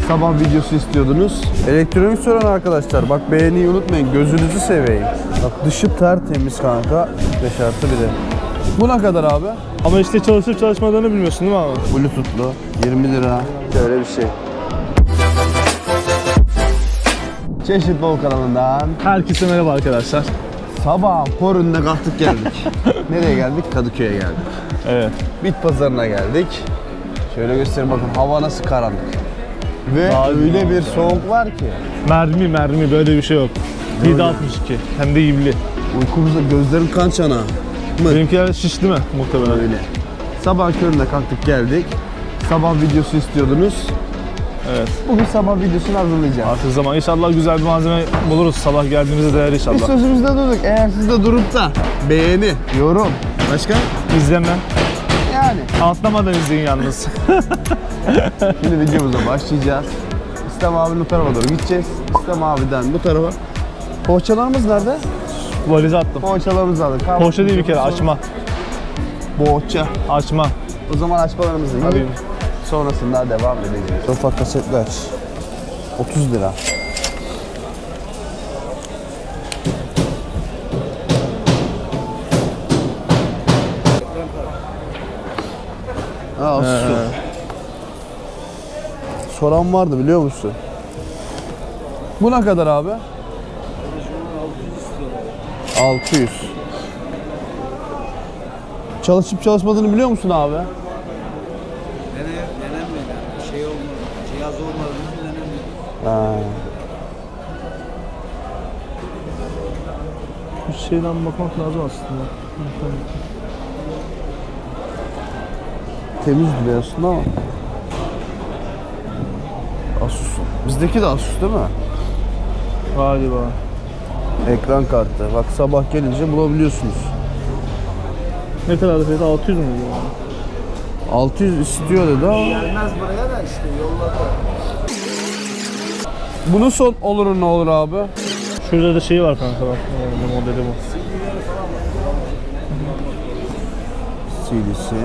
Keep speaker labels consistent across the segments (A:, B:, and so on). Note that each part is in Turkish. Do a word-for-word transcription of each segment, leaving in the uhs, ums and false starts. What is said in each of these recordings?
A: sabah videosu istiyordunuz. Elektronik soran arkadaşlar, bak beğeniyi unutmayın, gözünüzü seveyim. Bak dışı tertemiz kanka. beş artı biri. Bu ne kadar abi?
B: Ama işte çalışıp çalışmadığını bilmiyorsun değil mi abi?
A: Bluetooth'lu yirmi lira. Şöyle bir şey. Çeşit Bol kanalından
B: Herkese merhaba arkadaşlar.
A: sabah korunda kalktık geldik. Nereye geldik? Kadıköy'e geldik.
B: Evet.
A: Bit pazarına geldik. Şöyle göstereyim, bakın hava nasıl karanlık. Ve
B: Abi
A: öyle
B: ya.
A: bir soğuk var ki.
B: Mermi mermi böyle bir şey yok. yedi altmış iki hem de iyimli.
A: Uykumuzda gözlerim kan çanağı.
B: Benimkiler şişti mi muhtemelen?
A: Öyle. Sabah köründe kalktık geldik. Sabah videosu istiyordunuz.
B: Evet.
A: Bugün sabah videosunu hazırlayacağız.
B: Artık zaman inşallah güzel bir malzeme buluruz. Sabah geldiğimizde değer
A: Biz
B: inşallah.
A: sözümüzde durduk. Eğer siz de durup da beğeni, yorum, başka?
B: İzleme.
A: Yani.
B: Atlamadan izleyin yalnız.
A: Şimdi videomuza başlayacağız. İslam abinin bu tarafa doğru gideceğiz. İslam abiden bu tarafa. Poğaçalarımız nerede?
B: Valize attım.
A: Poğaçalarımızı aldık.
B: Poğaça değil bir kere açma.
A: Poğaça.
B: Açma.
A: O zaman açmalarımızı
B: Hadi.
A: yiyip sonrasında devam edeceğiz. Sofa kasetler. otuz lira. Aa,
B: Ee.
A: su. Soran vardı biliyor musun? Bu ne kadar abi? altı yüz. Çalışıp çalışmadığını biliyor musun abi?
C: Dene, denenmedi. Şey olmadı. Cihaz olmadığını denenmedi.
A: Ha.
B: Bir şeyden bakmak lazım aslında.
A: Temiz duruyor aslında ama. Asus. Bizdeki de Asus değil mi?
B: Galiba.
A: Ekran kartı. Bak sabah gelince bulabiliyorsunuz.
B: Ne kadar fiyatı? altı yüz mü?
A: altı yüz istiyor dedi ama.
C: Gelmez buraya da işte yolladı.
A: Bunun son olur ne olur abi?
B: Şurada da şey var kanka bak. Bu modeli bu.
A: C D'si.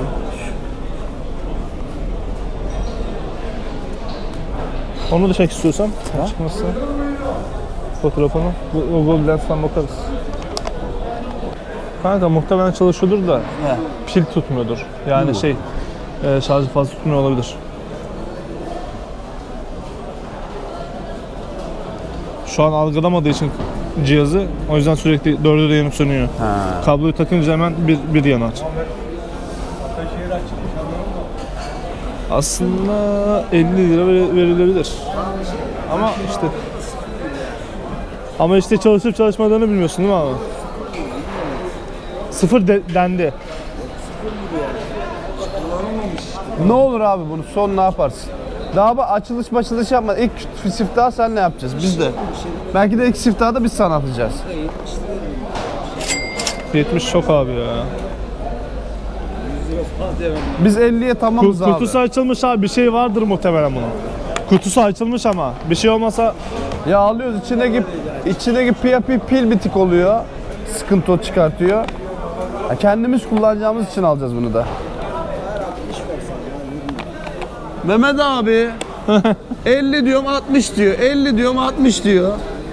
B: Onu da çek istiyorsan. Çıkmasın. Fotoğrafını. Bu Google Lens'ten bakarız. Kanka muhtemelen çalışıyordur da
A: He.
B: pil tutmuyordur. Yani
A: Bu.
B: şey e, şarjı fazla tutmuyor olabilir. Şu an algılamadığı için cihazı o yüzden sürekli dördü de yanıp sönüyor.
A: Ha.
B: Kabloyu takınca hemen bir, bir yanar. Aslında elli lira ver- verilebilir. Ama işte ama işte çalışıp çalışmadığını bilmiyorsun değil mi abi? Sıfır de, dendi.
A: Ne olur abi bunu son ne yaparsın? Daha bak açılış açılış yapma. İlk siftahı sen ne yapacağız? Biz de. Belki de ilk siftahı da biz sana atacağız.
B: yetmiş çok abi ya.
A: Biz elliye tamamız abi.
B: Kutusu açılmış abi, bir şey vardır muhtemelen bunun. Kutusu açılmış ama bir şey olmasa
A: Ya alıyoruz içindeki içindeki pil, pil, pil bitik oluyor. Sıkıntı o çıkartıyor. Ya kendimiz kullanacağımız için alacağız bunu da. Mehmet abi elli diyorum altmış diyor. elli diyorum altmış diyor.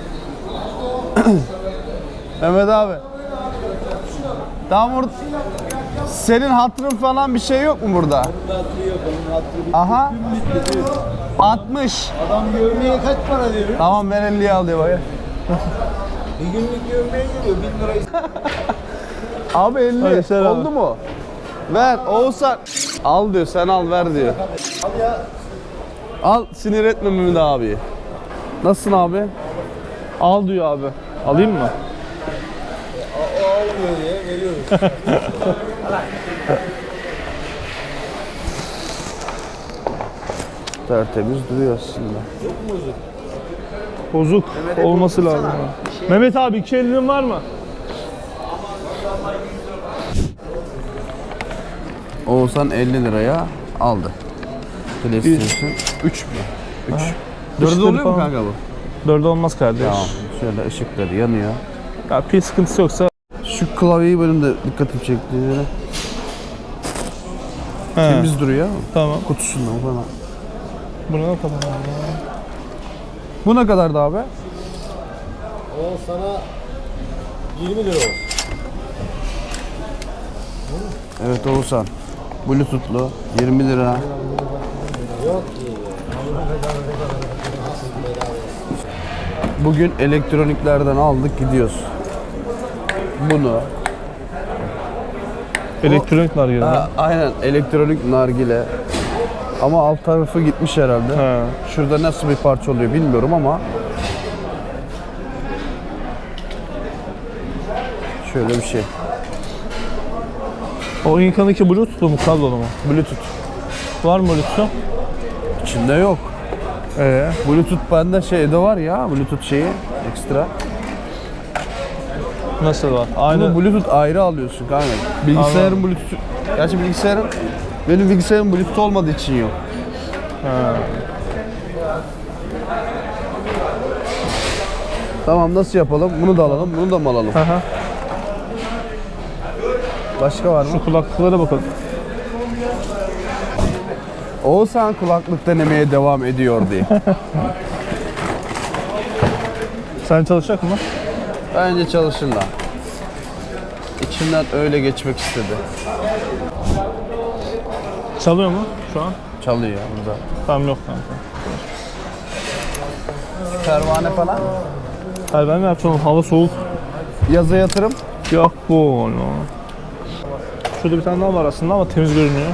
A: Mehmet abi. Tamam orada senin hatırın falan bir şey yok mu burada? Aha. altmış.
C: Adam görmeye kaç para veriyor?
A: Tamam ben elliye al diyor bak.
C: Bir günlük görmeye geliyor. bin lira.
A: Abi elli
B: Hadi sen al.
A: oldu mu? Ver Oğuzhan. Al diyor sen al ver diyor.
C: Al ya.
A: Al sinir etme Mehmet abi. Nasılsın abi?
B: al diyor abi. Alayım mı?
C: O almıyor diye veriyoruz.
A: Tertemiz duruyor aslında.
B: Bozuk olması lazım. ya. Mehmet abi iki elinin var mı?
A: Oğuzhan elli liraya aldı. PlayStation üç mü? üç. dördü
B: Işıkları
A: oluyor mu
B: falan.
A: kanka bu?
B: Dörde olmaz kardeş.
A: Tamam. Şöyle ışıkları yanıyor.
B: Ya pil sıkıntısı yoksa
A: Şu klavyeyi benim de dikkatimi çekti. Böyle
B: he,
A: temiz duruyor.
B: tamam.
A: Kutusundan falan.
B: Bu ne kadar?
A: Bu ne kadardı abi?
D: O sana yirmi lira olsun.
A: Evet Oğuzhan. Bluetooth'lu yirmi lira.
D: Yok ki.
A: Bugün elektroniklerden aldık gidiyoruz. Bunu.
B: Elektronik nargile.
A: Ha, aynen elektronik nargile. Ama alt tarafı gitmiş herhalde.
B: He.
A: Şurada nasıl bir parça oluyor bilmiyorum ama. Şöyle bir şey.
B: O İnka'daki Bluetooth'lu mu, kablolu mu?
A: Bluetooth.
B: Var mı Bluetooth?
A: İçinde yok.
B: Ee,
A: Bluetooth bende şeyde var ya. Bluetooth şeyi ekstra.
B: nasıl var?
A: Bunu
B: Aynı.
A: Bluetooth ayrı alıyorsun kanka. Bilgisayarın Bluetooth. Gerçi bilgisayarın benim bilgisayarım Bluetooth olmadığı için yok.
B: Ha.
A: Tamam nasıl yapalım? Bunu da alalım, bunu da mı alalım?
B: Aha.
A: Başka var mı?
B: Şu kulaklıklara bakalım.
A: Oğuzhan kulaklık denemeye devam ediyor diye.
B: Sen çalışacak mı?
A: Bence çalışın da. İçimden öyle geçmek istedi.
B: Çalıyor mu şu an?
A: Çalıyor ya burada.
B: Tamam, yok kanka.
A: Pervane falan.
B: Hayır, ben ne yapacağım? Hava soğuk.
A: Yaza yatırım.
B: Yok bu onu. Şurada bir tane daha var aslında ama temiz görünüyor.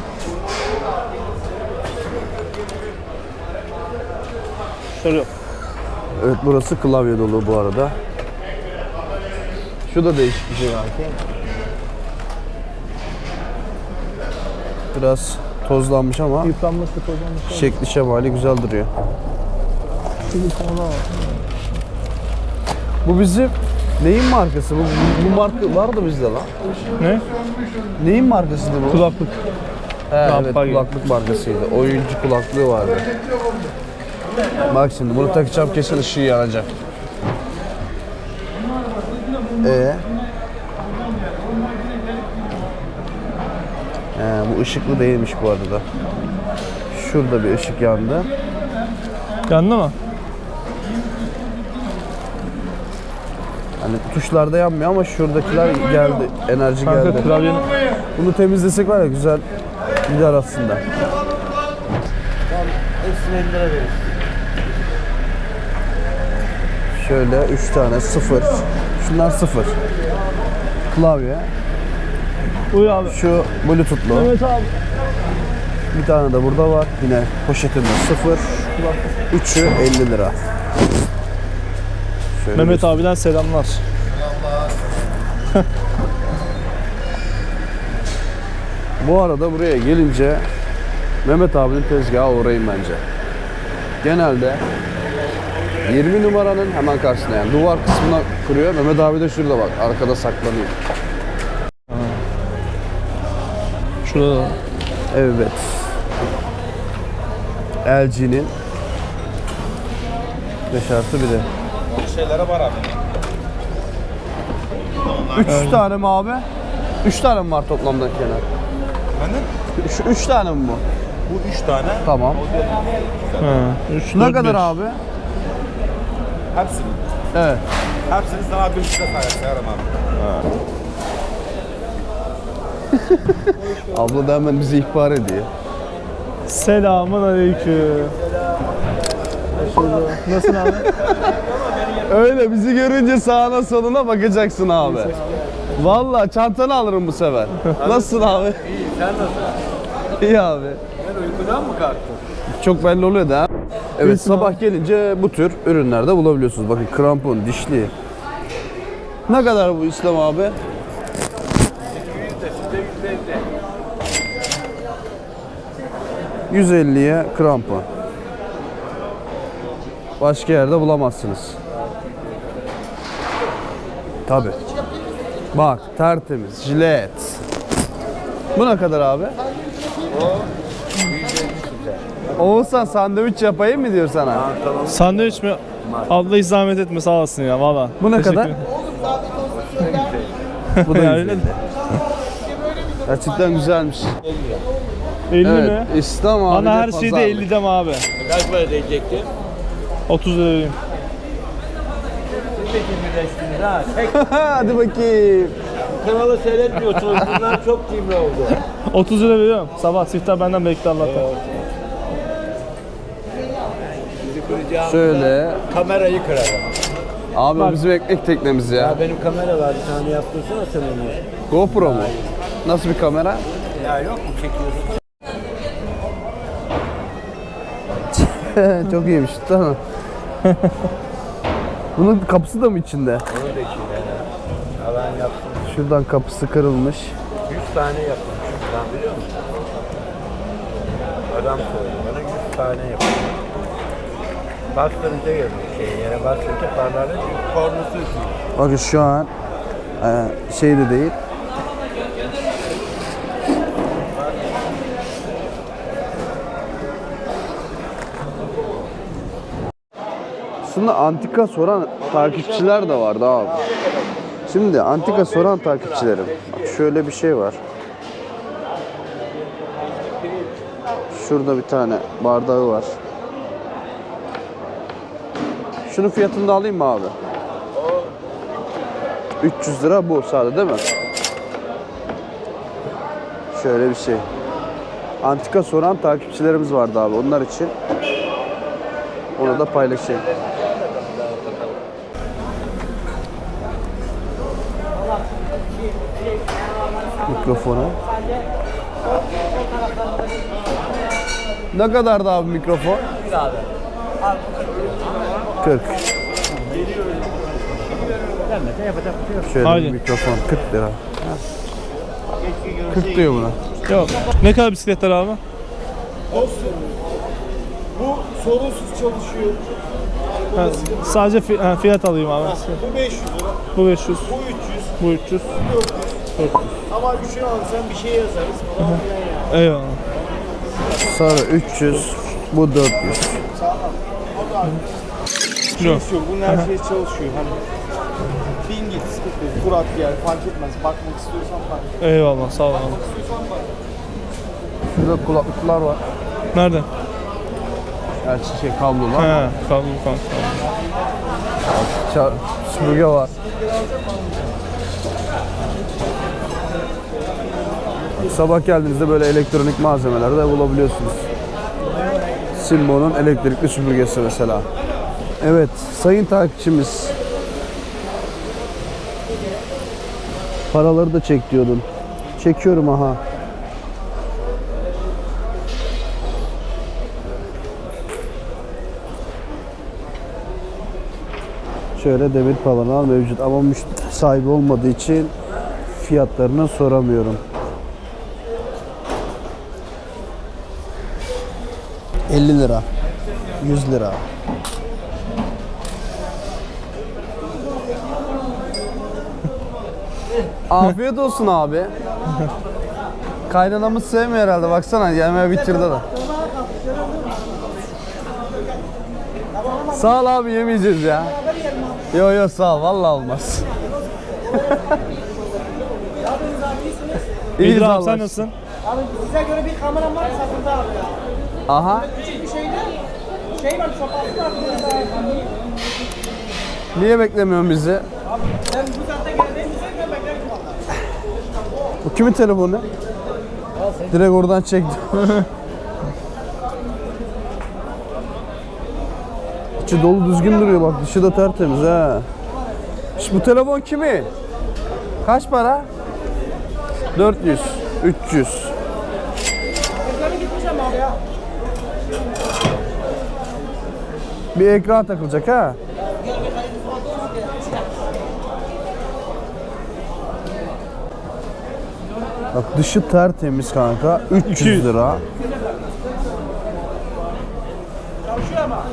B: Şöyle yok.
A: Evet burası klavye dolu bu arada. Şu da değişik bir şey belki. Biraz tozlanmış ama
B: Yıpranmış bir tozlanmış.
A: şekli şemali güzel duruyor.
B: Şurada bir tane daha var.
A: Bu bizim neyin markası? Bu, bu, bu marka var da bizde lan.
B: Ne?
A: Neyin markasıydı bu?
B: Kulaklık.
A: He, evet
B: Rampa gibi.
A: kulaklık markasıydı. Oyuncu kulaklığı vardı. Bak şimdi bunu takacağım kesin ışığı yanacak. Ee? He, bu ışıklı değilmiş bu arada. Şurada bir ışık yandı.
B: Yandı mı?
A: Hani tuşlarda yanmıyor ama şuradakiler geldi. Enerji
B: Kanka
A: geldi.
B: klavyenin...
A: Bunu temizlesek var ya güzel gider aslında.
D: Hepsine elli lira verir.
A: Şöyle üç tane sıfır. Şunlar sıfır. Klavye.
B: Uy abi.
A: Şu Bluetooth'lu.
B: Evet abi.
A: Bir tane de burada var. Yine poşetinde sıfır. Üçü elli lira. Şöyle
B: Mehmet
A: bir-
B: abiden selamlar.
A: Bu arada buraya gelince Mehmet abinin tezgahı uğrayın bence. Genelde yirmi numaranın hemen karşısında yani duvar kısmına kuruyor. Mehmet abi de şurada bak arkada saklanıyor.
B: Şurada da.
A: Evet. L G'nin beş artı biri.
C: Şeylere var abi.
A: Üç tane mi abi? Üç tane mi var toplamda kenar?
C: Efendim?
A: Şu üç tane mi bu?
C: Bu üç tane.
A: Tamam.
B: Ha. üç,
A: Ne
B: dört,
A: kadar
B: beş.
A: abi?
C: Hepsini.
A: Evet.
C: Hepsini sana bir buçuk lira sayarım abi.
A: Abla da hemen bizi ihbar ediyor.
B: Selamun aleyküm. Nasılsın abi?
A: Öyle bizi görünce sağına soluna bakacaksın abi. Vallahi çantanı alırım bu sefer. Nasılsın abi?
C: İyi, sen nasılsın?
A: İyi abi.
C: Ben uykudan mı kalktın?
A: Çok belli oluyor da. Evet sabah gelince bu tür ürünlerde bulabiliyorsunuz. Bakın krampon, dişli. Ne kadar bu İslam abi? yüz elliye krampon. Başka yerde bulamazsınız. Tabi. Bak tertemiz, jilet. Bu ne kadar abi? Oğuzhan sandviç yapayım mı diyor sana?
B: Sandviç mi? Abla hiç zahmet etme, sağ olasın ya valla.
A: Bu ne
B: Teşekkür
A: kadar?
B: ederim.
A: Bu da
B: Ya
A: güzel.
B: öyle de.
A: Gerçekten güzelmiş.
B: elli
A: Evet,
B: mi?
A: İslam abi
B: Bana
A: de
B: her şeyde
A: pazarlık.
B: elli deme abi.
C: Kaç para diyecektin?
B: otuz lira vereyim.
C: Siz de cimrileştiniz ha. Tek
A: Hadi bakayım.
C: kanalı seyretmiyorsunuz. Bunlar çok cimri oldu.
B: otuz lira veriyorum. Sabah siftah benden bekle Allah'tan.
C: Bizi kıracağımda
A: Şöyle.
C: kamerayı kırarım.
A: Abi o
B: Bak.
A: bizim ekmek teknemiz ya.
C: Ya benim kamera var. Bir tane yaptırsana sen onu.
A: GoPro mu? Nasıl bir kamera?
C: Ya yok mu çekiyorsun?
A: Çok iyiymiş. Tamam. Bunun kapısı da mı içinde?
C: Onu da içinde. Alan yaptım.
A: Şuradan kapısı kırılmış.
C: yüz tane yaptım şuradan biliyor musun? Adam söyledi bana yüz tane yaptım. Bastırınca görüyor şey yere bastırınca parlarla çünkü kornası üstüyor.
A: Bakın şu an e, şey de değil. Aslında antika soran takipçiler de vardı abi. Şimdi antika soran takipçilerim. Bak şöyle bir şey var. Şurada bir tane bardağı var. Şunun fiyatını da alayım mı abi? üç yüz lira bu sadece değil mi? Şöyle bir şey. Antika soran takipçilerimiz vardı abi. Onlar için onu da paylaşayım. Mikrofonu. Ne kadardı abi mikrofon? kırk. Şöyle
B: Haydi.
A: bir mikrofon kırk lira. kırk diyor buna.
B: Yok. Ne kadar bisikletler abi?
D: Bu sorunsuz çalışıyor.
B: Ha, sadece fi- ha, fiyat alayım abi.
D: Bu beş yüz lira.
B: Bu beş yüz.
D: Bu üç yüz.
B: Bu üç yüz.
D: dört yüz. Ama üçünü alırsan bir şey yazarız falan filan yani.
B: Eyvallah.
A: Sarı üç yüz, bu dört yüz.
B: Yok.
D: Yok, bunun her şey çalışıyor. Hani bin git, sıkıntı yok. Kur at gel, fark etmez. Bakmak istiyorsan bak.
B: Eyvallah sağ ol abi.
A: Şurada kulaklıklar var.
B: Nerede?
A: Gerçi şey kablolu.
B: He, kablo kanka.
A: Ça- süpürge var. Sabah geldiğinizde böyle elektronik malzemeler de bulabiliyorsunuz. Simbo'nun elektrikli süpürgesi mesela. Evet, sayın takipçimiz. Paraları da çek diyordun. Çekiyorum aha. Şöyle demir paralar mevcut ama müşteri sahibi olmadığı için fiyatlarını soramıyorum. elli lira, yüz lira. Afiyet olsun abi. Kaynanamız sevmiyor herhalde. Baksana yemeği bitirdi de. Sağ ol abi, yemeyeceğiz ya. Yo yo sağ ol, vallahi olmaz.
B: İyidir abi
A: Allah
B: sen
A: aşkına.
B: nasılsın?
E: Abi size göre bir kameram var satıldı abi ya.
A: Aha.
E: Küçük bir şeydi. Şey var, sopası var.
A: Niye beklemiyorsun bizi?
E: Ben bu saatte geldiğim için ben beklerim valla.
A: Bu kimin telefonu? Direkt oradan çektim. İçi dolu düzgün duruyor bak, dışı da tertemiz ha. Şimdi bu telefon kimin? Kaç para? dört yüz, üç yüz.
E: Ekranı gitmiş ama abi ya.
A: Bir ekran takılacak ha. Bak dışı tertemiz kanka. üç yüz lira.
E: Çalışıyor ama.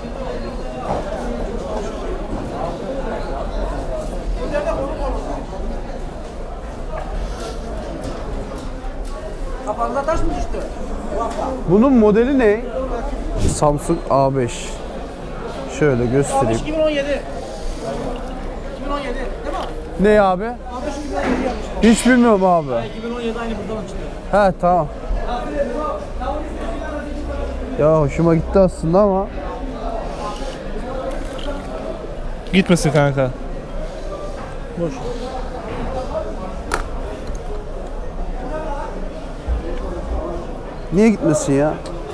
E: Kafanıza taş mı düştü?
A: Bunun modeli ne? Samsung A beş. Şöyle göstereyim.
E: iki bin on yedi. iki bin on yedi değil mi?
A: Ne abi?
E: Abi şu iki bin on yedi yapmış.
A: Hiç bilmiyorum abi.
E: iki bin on yedi aynı buradan çıktı.
A: He tamam. Ya hoşuma gitti aslında ama
B: Gitmesin kanka. Boş.
A: niye gitmesin ya?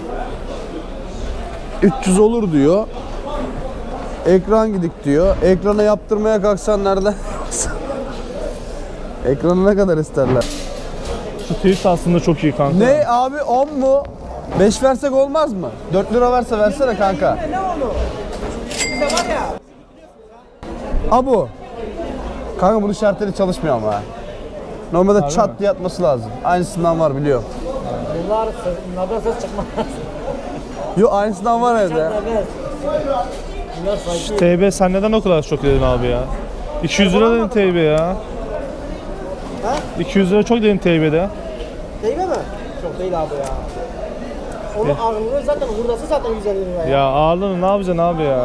A: üç yüz olur diyor. Ekran gidik diyor. Ekrana yaptırmaya kalksan nereden? Ekranı ne kadar isterler?
B: Şu tweet aslında çok iyi kanka.
A: Ne abi, on mu? beş versek olmaz mı? dört lira verse versene kanka.
E: Ne onu? Bizde var ya.
A: Abu. Kanka bunun şartları çalışmıyor ama. ha. Normalde
B: Harbi
A: çat
B: mi?
A: diye atması lazım. Aynısından var biliyorum.
E: Bunlar bunlardan ses çıkmaz.
A: Yo aynısından var evde.
E: Evet. Bunlar sanki.
B: T B sen neden o kadar çok dedin abi ya? iki yüz lira dedin T B ya.
E: Ha?
B: iki yüz lira çok dedin T B'de.
E: Değil mi? Çok değil abi ya. Onun ağırlığı zaten buradası zaten yüz elli lira ya.
B: Ya ağırlığını ne yapacaksın abi ya?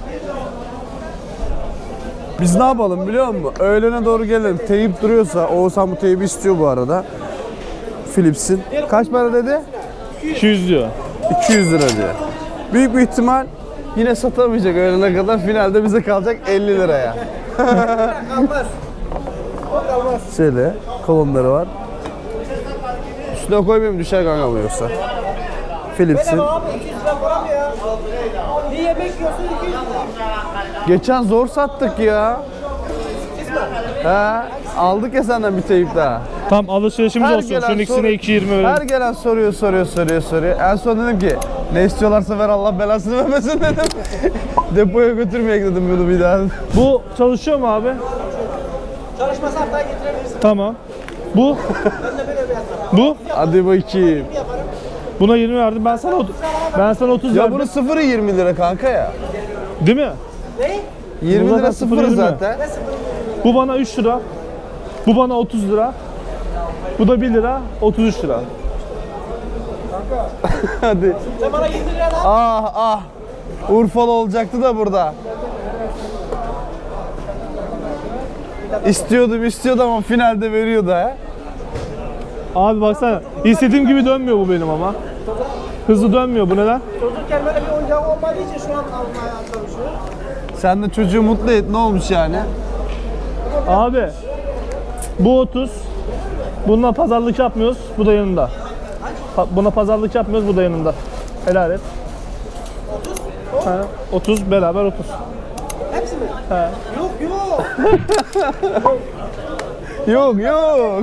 A: Biz ne yapalım biliyor musun? Öğlene doğru gelelim. Teyip duruyorsa, Oğuzhan bu teybi istiyor bu arada. Philips'in. Kaç para dedi?
B: iki yüz diyor.
A: iki yüz lira diyor. Büyük bir ihtimal yine satamayacak öğlene kadar. Finalde bize kalacak elli liraya.
E: Kalmaz. O kalmaz.
A: Şöyle kolonları var. Üstüne koymayayım düşer kanka bu yoksa. Philips'in.
E: Benim abi iki yüz lira para mı ya? Bir yemek yiyorsun iki yüz lira.
A: Geçen zor sattık ya. He, aldık ya senden bir teyip daha.
B: Tam alışverişimiz
A: Her
B: olsun.
A: gelen
B: Şunun ikisine
A: soru-
B: iki yirmi
A: Her
B: verelim.
A: gelen soruyor, soruyor, soruyor, soruyor. En son dedim ki ne istiyorlarsa ver Allah belasını vermesin dedim. Depoya götürmeye dedim bunu bir daha.
B: Bu çalışıyor mu abi?
E: Çalışmasa haftaya getirebilirsin.
B: Tamam. Bu?
E: Ben de böyle bir yaparım.
B: Bu?
A: Hadi bakayım.
E: Yaparım.
B: Buna yirmi verdim. Ben sana otuz. Ben sana otuz
A: Ya
B: verdim.
A: bunun sıfırı yirmi lira kanka ya.
B: Değil mi?
E: Ne?
A: yirmi
B: Bu
A: lira
B: zaten
A: sıfırı
B: sıfır yirmi.
A: zaten.
E: Ne sıfır?
B: Bu bana üç lira. Bu bana otuz lira. Bu da bir lira. otuz üç lira.
A: Hadi.
E: Sen bana yirmi lira da.
A: Ah ah. Urfalı olacaktı da burada. İstiyordum istiyordum ama finalde veriyordu ha.
B: Abi baksana. İstediğim gibi dönmüyor bu benim ama. Hızlı dönmüyor. Bu neden?
E: Çocukken böyle bir oyuncak olmadığı için şu an almaya çalışıyor.
A: Sen de çocuğu mutlu et, ne olmuş yani?
B: Abi. Bu otuz. Bununla pazarlık yapmıyoruz. Bu da yanında. Pa- Buna pazarlık yapmıyoruz. Bu da yanında. Helal et. otuz? Ha, otuz beraber otuz.
E: Hepsi mi?
B: He.
E: Yok yok.
A: Yok yok.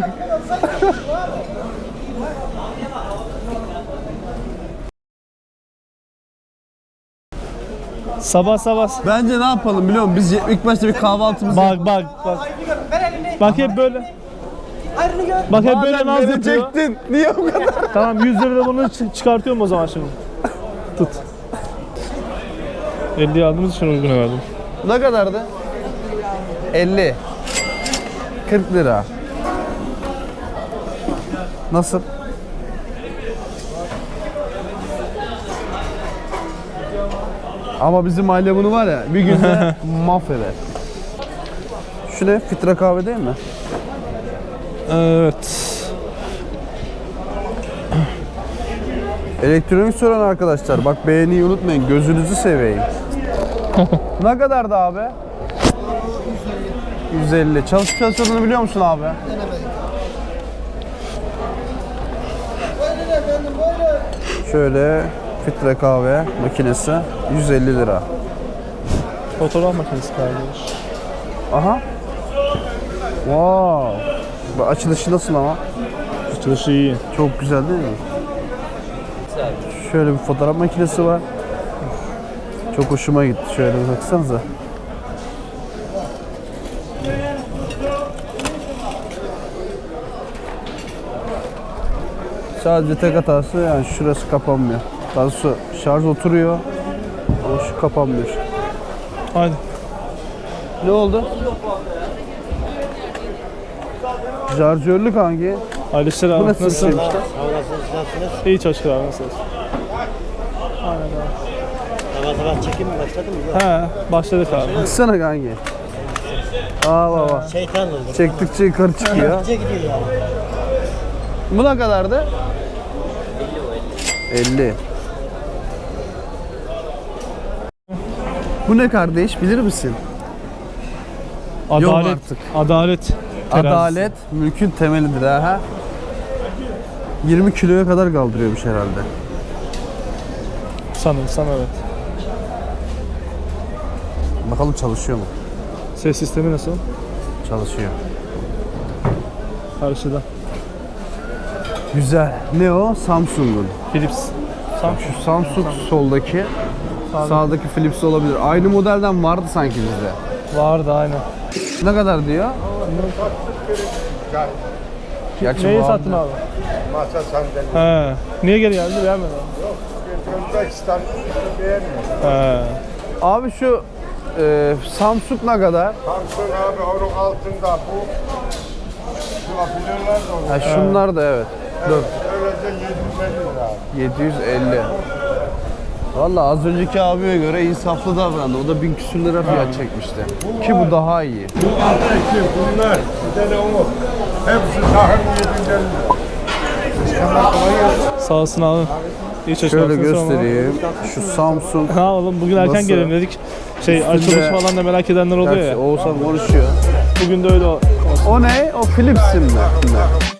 B: Sabah sabah.
A: Bence ne yapalım biliyor musun? Biz ilk başta bir kahvaltımızı
B: Bak bak bak.
E: Ayrını gör. Ver elini.
B: Bak hep böyle.
E: Ayrını gör.
B: Bak hep böyle
A: Madem
B: naz yapıyor.
A: verecektin. Niye bu kadar?
B: Tamam yüz lira da bunu çı- çıkartıyorum o zaman şimdi. Tut. elli aldığımız için uyguna verdim.
A: Ne kadardı? elli. kırk lira. Nasıl? Ama bizim aile bunu var ya bir günde mahveder. Şu ne? Filtre kahve değil mi?
B: Evet.
A: Elektronik soran arkadaşlar bak beğeniyi unutmayın, gözünüzü seveyim. Ne kadardı abi? yüz elli. Çalışıp çalışmadığını biliyor musun abi?
E: Buyurun efendim buyurun.
A: Şöyle filtre kahve makinesi yüz elli lira.
B: Fotoğraf makinesi kardeş.
A: Aha. Wow. Bu açılışı nasıl ama?
B: Açılışı iyi.
A: Çok güzel değil mi? Şöyle bir fotoğraf makinesi var. Çok hoşuma gitti. Şöyle bir baksanıza. Sadece tek hatası yani şurası kapanmıyor. Daha doğrusu şarj oturuyor ama şu kapanmıyor.
B: Haydi.
A: Ne oldu? Şarjörlük hangi?
B: Alisher
A: Bu
B: abi
A: nasıl
B: nasıl?
A: bir şeymiş lan?
B: İyi çalışır abi nasıl? Aynen abi.
C: Sabah sabah çekim mi başladı mı?
B: He başladık abi.
A: Baksana kanki. Aa baba.
C: Şeytan oldu.
A: Çektikçe yukarı çıkıyor.
C: Gece gidiyor yani.
A: Bu ne kadardı? elli. Bu ne kardeş bilir misin?
B: Adalet.
A: artık.
B: Adalet. terazisi.
A: Adalet mülkün temelidir ha. yirmi kiloya kadar kaldırıyormuş herhalde.
B: Sanırsam evet.
A: Bakalım çalışıyor mu?
B: Ses sistemi nasıl?
A: Çalışıyor.
B: Karşıda.
A: Güzel. Ne o? Samsung'un.
B: Philips. Sam
A: Şu Samsung soldaki,
B: Sağdaki.
A: sağdaki Philips olabilir. Aynı modelden vardı sanki bizde.
B: vardı aynen.
A: Ne kadar diyor? Gerçi
B: Neyi
A: bu
B: sattın abi?
C: Masa sandalye.
B: He. Niye geri geldi? Beğenmedin abi.
C: Özbekistan beğenmiyor.
B: He.
A: Abi şu e, Samsung ne kadar?
C: Samsung abi onun altında bu. Şu apilerler de olur.
A: Ha, şunlar da evet. Dur.
C: Öylece yedi yüz elli lira abi.
A: yedi yüz elli. Valla az önceki abiye göre insaflı davrandı. O da bin küsür lira fiyat çekmişti. Ki bu daha iyi.
C: Bu altı iki bunlar. Bir tane o. Hepsi tahıl yedi yüz elli lira.
B: Sağ olsun abi. İyi çalışmalar.
A: Şöyle göstereyim. Şu Samsung.
B: Ha oğlum bugün erken
A: Nasıl?
B: gelelim dedik. Şey
A: Üstünde-
B: açılış falan da merak edenler oluyor
A: Gerçi
B: ya.
A: Oğuzhan konuşuyor.
B: Bugün de öyle olsun.
A: O ne? O Philips'in mi?